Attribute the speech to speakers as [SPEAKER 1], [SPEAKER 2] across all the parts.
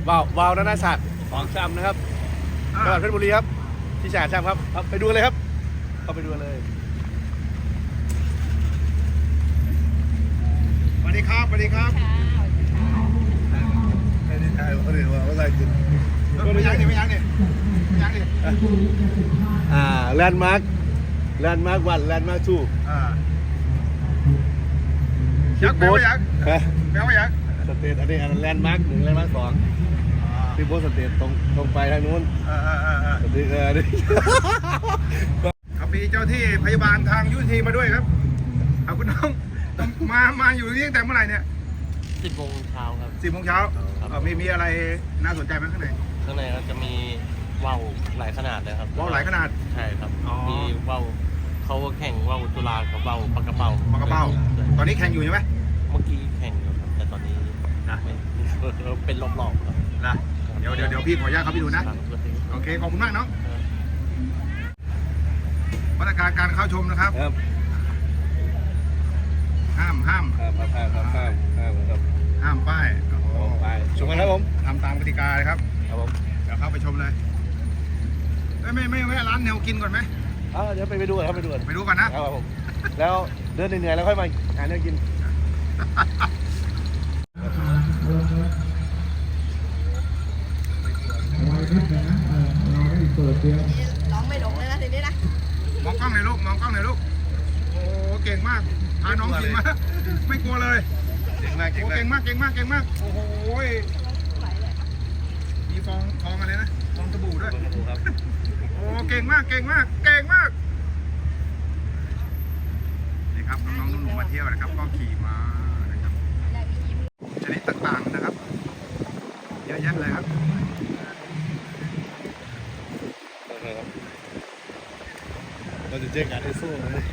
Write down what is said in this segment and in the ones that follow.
[SPEAKER 1] วาวนานาชาติของชำนะครับจังหวัดเพชรบุรีครับที่ฉะเชิงเทราครับไปดูเลยครับเข้าไปดูเลย
[SPEAKER 2] สวัสดีครับสวัสดีครับ
[SPEAKER 1] ไม่ได้ถ่ายเขาเลยว่าอะไรกิน
[SPEAKER 2] ไม่ยังดิไม่ยังดิ
[SPEAKER 1] แลนด์มาร์ควันแลนด์มาร์คทู
[SPEAKER 2] ยักษ์แปลว่ายักษ์แปลว่ายักษ์
[SPEAKER 1] สเตทอันนี้แลนด์มาร์ค1แลนด์มาร์ค2ที่โบสเตทตรงไปทางนู้นสเตทนี่
[SPEAKER 2] ครับมีเจ้าที่พยาบาลทางยุทธมาด้วยครับเอาคุณน้องมาอยู่ที่ตั้งแต่เมื่อไหร่เนี่ย
[SPEAKER 3] 10 โมงเช้าครับ
[SPEAKER 2] 10 โมงเช้ามีอะไรน่าสนใจไหมข้างใน
[SPEAKER 3] ก็จะมีว่าวหลายขนาดเลยครับ
[SPEAKER 2] ว่าวหลายขนาด
[SPEAKER 3] ใช่ครับมีว่าวเขาแข่งว่าวจุฬากับว่าวปากกระเป๋า
[SPEAKER 2] ตอนนี้แข่งอยู่ใช่ไหม
[SPEAKER 3] เมื่อกี้แข่งอยู่ครับแต่ตอนนี้นะเป็นรอบๆครับ
[SPEAKER 2] นะเดี๋ยวพี่ขออนุญาตเขาไปดูนะโอเคขอบคุณมากน้องมาตรการการเข้าชมนะครับห้ามป้าย
[SPEAKER 1] ชมกันครับผม
[SPEAKER 2] ทำตามกติกาเลยครับ
[SPEAKER 1] ผม
[SPEAKER 2] เดี๋ยวเข้าไปชมเลยไม่แวะร้านแนวกินก่อนไหม
[SPEAKER 1] เดี๋ยวไปดูกันครับไปดู
[SPEAKER 2] ก่อนนะครับ
[SPEAKER 1] ผมแล้วเดินเหนื่อยแล้วค่อยมาหาแนวกิน
[SPEAKER 4] ร้องไม่หลงเลยนะทีนี้นะ
[SPEAKER 2] มองกล้องหน่อยลูกโอ้เก่งมากพาน้องกินมาไม่กลัวเลยเก่งมากโอ้โหมีฟองอะไรนะฟองสบู่ด้วยโอ้เก่งมากนี่ครับน้องๆหนุ่มๆมาเที่ยวนะครับก็ขี่มานะครับชนิดต่างๆนะครับเยอะแยะเลยครับ
[SPEAKER 1] เราจะเจอกันไอ้สู้เลย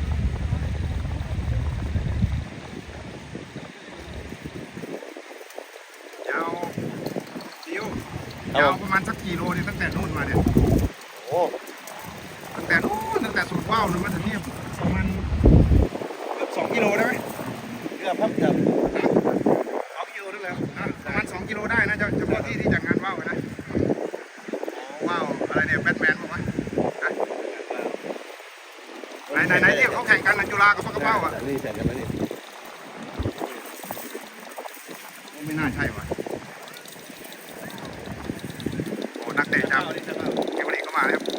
[SPEAKER 2] ยาวประมาณสักกิโลนี่ตั้งแต่นู่นมาเนี่ยตั้งแต่สุดว่าวนึงมาถึงนี่ประมาณเกือบ2 กิโลได้ไหม
[SPEAKER 1] เกือบ2 กิโลได้แล้ว
[SPEAKER 2] ประมาณ2 กิโลได้นะเฉพาะที่จัดงานว่าวนะว่าวอะไรเนี่ยแบทแมนบอกว่าไหนที่เขาแข่งกันจุฬากับปากกระเป๋า
[SPEAKER 1] นี่แข่งกันแล้วนี่
[SPEAKER 2] ไม่น่าใช่ว่ะนักเตะจากเกมบุรีก็มาแล้ว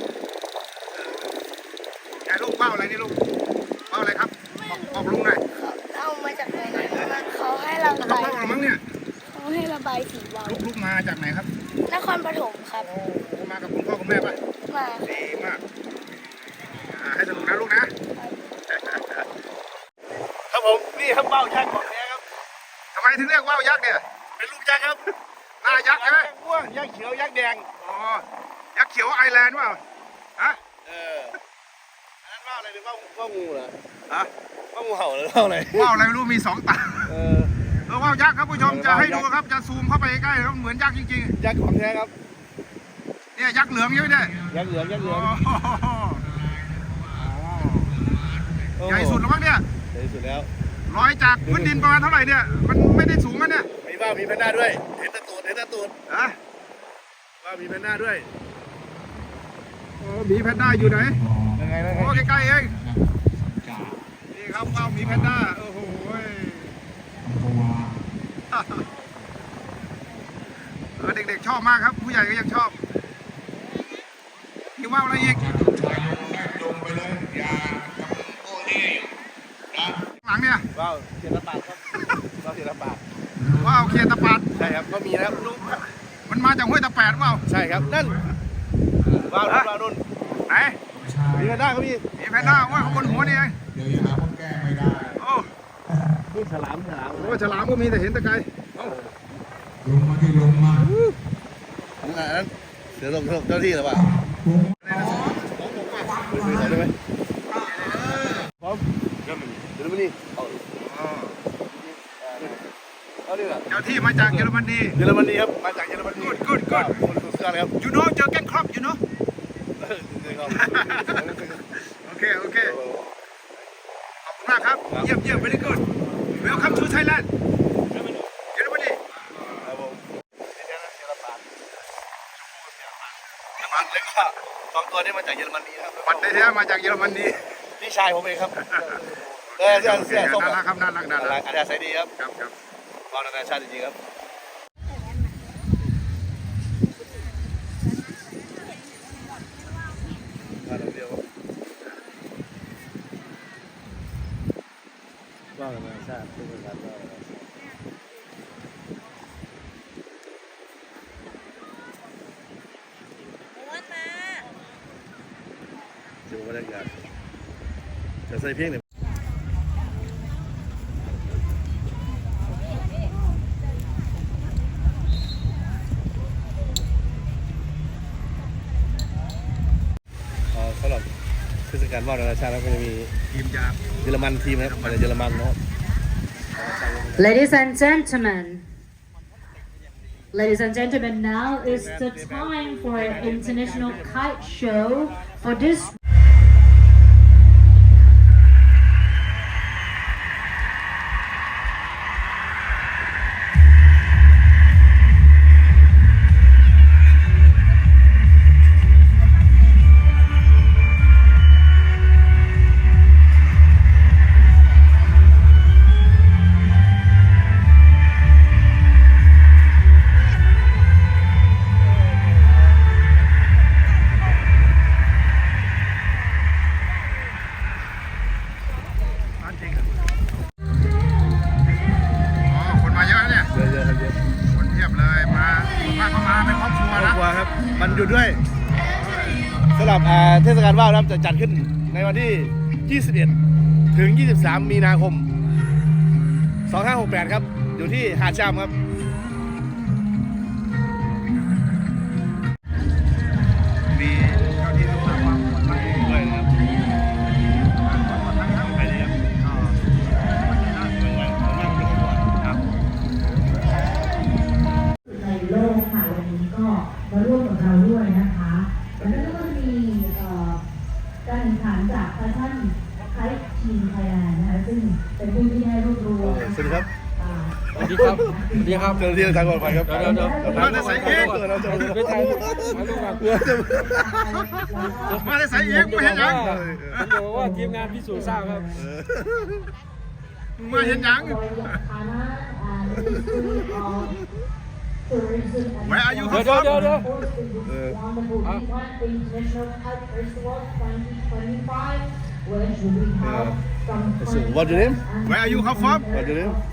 [SPEAKER 2] ไอ้ลูกว่าวอะไรนี่ลูกว่าวอะไรครับบอกลุงหน่อย
[SPEAKER 4] เอามาจากไหนเขาให้ระบาย
[SPEAKER 2] มั้งเนี่ย
[SPEAKER 4] เขาให้ระบายสีว่าว
[SPEAKER 2] ลูกมาจากไหนครับ
[SPEAKER 4] นครปฐมครับ
[SPEAKER 2] มากับคุณพ่อคุณแม่ป่ะ
[SPEAKER 4] มา
[SPEAKER 2] ดีมากให้สนุกนะลูกนะ
[SPEAKER 1] ครับผมนี่ครับว่าวยักษ์ของแท้ครับ
[SPEAKER 2] ทำไมถึงเรียกว่าวยักษ์เนี่ย
[SPEAKER 1] เป็นลูกยักษ์ครับ
[SPEAKER 2] หน้ายักษ์ใช่ไหม
[SPEAKER 1] ม่วงยักษ์เขียวยักษ์แดง
[SPEAKER 2] ยักษ์เขียวไอแลนด์เปล่าฮะ
[SPEAKER 1] อันนั้นว่าวอะไรหรือว่าวงูเหรอว่าวงูเห่าหรือว่าวอะไร
[SPEAKER 2] ไม่รู้มี2 ตาว่าวยักษ์ครับผู้ชมจะให้ดูครับจะซูมเข้าไปใกล้ครับเหมือนยักษ์จริง
[SPEAKER 1] ๆยักษ์ของแท้ครับ
[SPEAKER 2] เนี่ยยักษ์เหลืองใช่ไหมเนี่ย
[SPEAKER 1] ยักษ์เหลือง
[SPEAKER 2] ใหญ่สุดแล้วมั้งเนี่ย
[SPEAKER 1] ใหญ่สุดแล้ว
[SPEAKER 2] ลอยจากพื้นดินประมาณเท่าไหร่เนี่ยมันไม่ได้สูงนะเนี่ย
[SPEAKER 1] มีแพนด้าด้วยเห็นตะตูดว่ามีแพนด้าด้วย
[SPEAKER 2] มีแพนด้าอยู่ไหน
[SPEAKER 1] ยังไง
[SPEAKER 2] ใกล้ๆเองนี่ครับว่าวมีแพนด้าโอ้โหเด็กๆชอบมากครับผู้ใหญ่ก็ยังชอบมีว่าวอะไรอีกหลังเนี่ย
[SPEAKER 1] ว้าวเขียนตะปาดครับว้าวเขียนตะปาด
[SPEAKER 2] ใช่
[SPEAKER 1] ครับก็มีนะครับลูก
[SPEAKER 2] มันมาจากห้วยตะแปดว้าว
[SPEAKER 1] ใช่ครับนั่นว้าวนุ่น
[SPEAKER 2] ไหน
[SPEAKER 1] มีแพนด้าก็มี
[SPEAKER 2] แพนด้าว่าเขาบนหัวนี่เอง
[SPEAKER 5] เดี๋ยวหาคนแก้ไม่ได้
[SPEAKER 1] นี่ฉลาม
[SPEAKER 2] ฉลามก็มีแต่เห็นตะไคร้
[SPEAKER 5] ลงมา
[SPEAKER 1] นั้นเสือลงเจ้าที่หรือเปล่าได้ไหมพร้อมเดี๋ยวมานี่
[SPEAKER 2] เจ้าที่มาจากเยอรมนี
[SPEAKER 1] ครับมาจากเยอรมนี
[SPEAKER 2] good
[SPEAKER 1] สุดยอดครับ
[SPEAKER 2] you know Jürgen Klopp you know โอเคขอบคุณมากครับเยี่ยม very good welcome to Thailand เยอรมนี
[SPEAKER 1] ครับผม 2 ตัวนี้มาจากเยอรมนีครับ
[SPEAKER 2] ปัดได้แท้มาจากเยอรมนี
[SPEAKER 1] พี่ชายผมเองครับเสื้อส้ม
[SPEAKER 2] น่ารักครับน่ารักน่ารัก
[SPEAKER 1] อันนี้ใส่ดีครับ
[SPEAKER 2] ครับครับ
[SPEAKER 1] ว่าวนานาชาติจริงๆครับว่าวนานาชาติเป็นการว่าวนานาชาติดูบรรยากาศจะใส่เพียงหนึ่งสำหรับเทศกาลว่าวนานาชาติแล้วก็จะมี
[SPEAKER 2] ทีมจาก
[SPEAKER 1] เยอรมันทีมนะครับมาจากเยอรมันนะครับ
[SPEAKER 6] Ladies and gentlemen, now is the time for an international kite show for this.
[SPEAKER 2] คนมาเยอะเนี่ย
[SPEAKER 1] เยอะๆครับเยอะ
[SPEAKER 2] คนเทียบเลยมาเข้ามาเป็นครอบครัว
[SPEAKER 1] ครอบ
[SPEAKER 2] นะ
[SPEAKER 1] ครัวครับมันหยุดด้วยสำหรับเทศกาลว่าวนะครับจะจัดขึ้นในวันที่ 21 ถึง 23 มีนาคม 2568 ครับอยู่ที่หาดชามครับ
[SPEAKER 2] มีเจ้าที่รักษาความปลอดภัย
[SPEAKER 1] ด้วยนะครับไปเลยครับครับ
[SPEAKER 6] ในโลกค่ะวันนี้ก็มาร่วมกับเราด้วยนะคะแล้วก็จะมีการแข่งขันจากแฟชั่นไคท์ทีมไทยแลนด์นะคะซึ่งเป็นผู้ที่ได้รวบรวม
[SPEAKER 1] สวัสดีครับ
[SPEAKER 3] สวัสดีครับ สวัสดีครับ
[SPEAKER 1] เจ้าหน้าที่ทางปลอดภัยครับ
[SPEAKER 3] เดี๋ยว
[SPEAKER 2] มาได้ใส่เอง
[SPEAKER 1] เราจะ
[SPEAKER 3] ไปถ่ายรูปมาดูกัน
[SPEAKER 2] มาได้ใส่เองไม่เห็นยัง
[SPEAKER 3] ผมบอกว่าทีมงานพิสูจน์ทราบครับ
[SPEAKER 2] มาเห็นยัง Where are you
[SPEAKER 3] เดี๋ยว
[SPEAKER 1] What your name
[SPEAKER 2] Where are you come from
[SPEAKER 1] What your name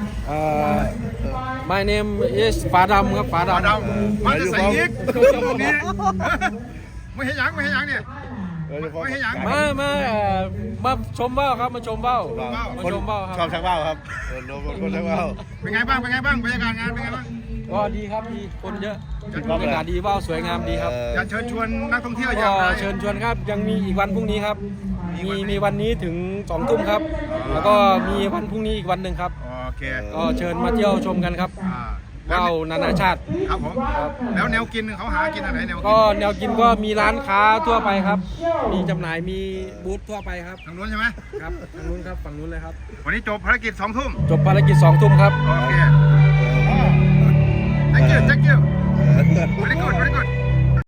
[SPEAKER 3] My name is ฝาดำครับฝา
[SPEAKER 2] มา
[SPEAKER 3] ดำ
[SPEAKER 2] ดำมาได้ใส่เองตรงนี้ไม่เห็นยังไม่เห็นยังเนี่ย ไม่ให้ยัง
[SPEAKER 3] มาชมว่าวครับมาชมว่าวมา
[SPEAKER 1] คน
[SPEAKER 3] ชมว่าวค
[SPEAKER 1] ชอ
[SPEAKER 3] รั
[SPEAKER 1] บบ ชักว่าวครับคนชักว่าว
[SPEAKER 2] เป็นไงบ้างเป็นไงบ้างบรรยากาศงานเป็นไงบ้าง
[SPEAKER 3] ก็ดีครับดีคนเยอะบรรยากาศดีว่าวสวยงามดีครับ
[SPEAKER 2] อยากเชิญชวนนักท่องเที่ยวอ
[SPEAKER 3] ก็
[SPEAKER 2] ยากไป
[SPEAKER 3] เชิญชวนครับยังมีอีกวันพรุ่งนี้ครับ มีวันนี้ถึง2 ทุ่มครับ แล้วก็มีวันพรุ่งนี้อีกวันหนึ่งครับ
[SPEAKER 2] โอเค
[SPEAKER 3] ก็เชิญมาเที่ยวชมกันครับ
[SPEAKER 2] แล้ว
[SPEAKER 3] ว่าวนานาชาติ
[SPEAKER 2] ครับผมแล้วแนวกินเขาหากินอะไรแนวกิ
[SPEAKER 3] ก็แนวกินก็มีร้านค้าทั่วไปครับ มีจำหน่ายมีบูธทั่วไปครับ
[SPEAKER 2] ทางนู้นใช่ไหม
[SPEAKER 3] ครับทางนู้นครับฝั่งนู้นเลยครับ
[SPEAKER 2] วันนี้จบภารกิจ2 ทุ่ม
[SPEAKER 3] จบภารกิจ2 ทุ่มครับ
[SPEAKER 2] โอเค thank you thank you very good very good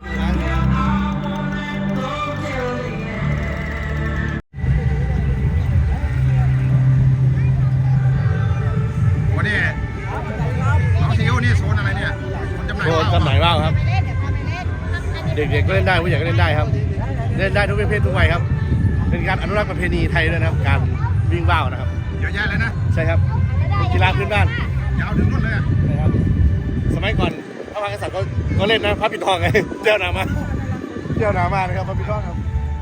[SPEAKER 2] วันนี้น้องซีโอนี่โซนอะไรเนี่ยคนจำหน่าย
[SPEAKER 1] โชว์จำหน่ายว่าวครับ เด็กๆก็เล่นได้ผู้ใหญ่ก็เล่นได้ครับ เล่นได้ทุกเพศทุกวัยครับ เป็นการอนุรักษ์ประเพณีไทยด้วยนะครับ การวิ่งว่าวนะครับ
[SPEAKER 2] เยอะแยะเลยนะ
[SPEAKER 1] ใช่ครับเป็นกีฬาพื้นบ้าน
[SPEAKER 2] ยาวถึงนู่นเลยอะ
[SPEAKER 1] นะครับ สมัยก่อนพระมหากษัตริย์ก็เล่นนะพระปิดทองไงเจ้าหนามาเจ้าหนามานะครับพระปิดทองครับ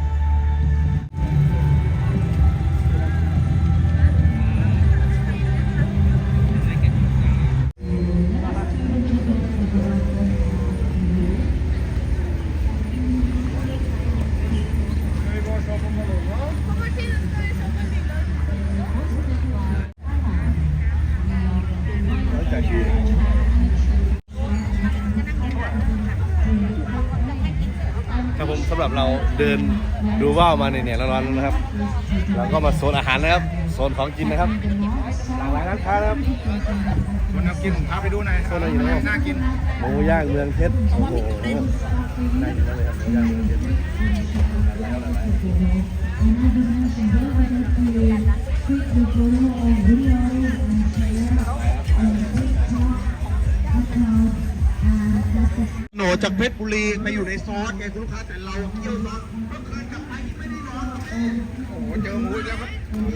[SPEAKER 1] ครับผมสำหรับเราเดินดูว่าวมาเนี่ยร้อนๆนะครับเราก็มาโซนอาหารนะครับโซนของกินนะครับหลากหลายร้านค้านะครับ
[SPEAKER 2] คนเอากินพาไปดูหน่อยน่ากิน
[SPEAKER 1] หมูย่างเมืองเพชรโอ้โหน่ากินมากเลยครับหมูย่างเมืองเพชรแล้วอะไร
[SPEAKER 5] โหนจากเพชรบุรีไปอยู่ในซอสไงคุณลูกค้าแต่เราเที่ยวซอสเมื่อคืนกลับไปไม่ได้นอนโอ้โหเจอหมูอีกแล้วครับ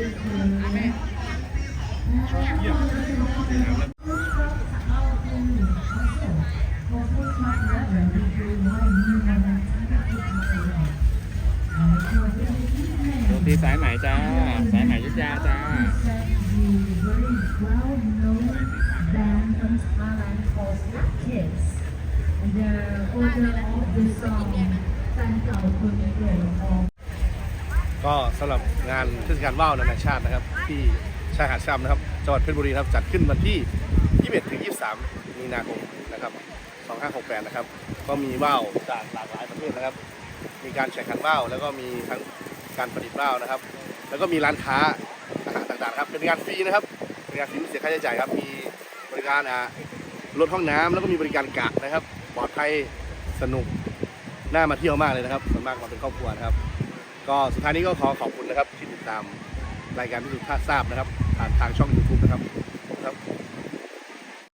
[SPEAKER 3] โรตีสายไหมจ้า สายไหมยุทธยาจ้า
[SPEAKER 1] ก็สำหรับงานเทศกาลว่าวนานาชาตินะครับ ที่ชายหาดชะอำนะครับจังหวัดเพชรบุรีครับจัดขึ้นวันที่ 21 ถึง 23 มีนาคมนะครับ 2568 นะครับ ก็มีว่าวจากหลากหลายประเทศนะครับ มีการแข่งขันว่าวแล้วก็มีทั้งการประดิษฐ์ว่าวนะครับ แล้วก็มีร้านค้าอาหารต่างๆครับเป็นงานฟรีนะครับเป็นงานฟรีไม่เสียค่าใช้จ่ายครับมีบริการรถห้องน้ำแล้วก็มีบริการกะนะครับปลอดภัยสนุกน่ามาเที่ยวมากเลยนะครับส่วนมากมาเป็นครอบครัวนะครับก็สุดท้ายนี้ก็ขอขอบคุณนะครับที่ติดตามรายการพิสูจน์ทราบนะครับผ่านทางช่อง YouTube นะครับ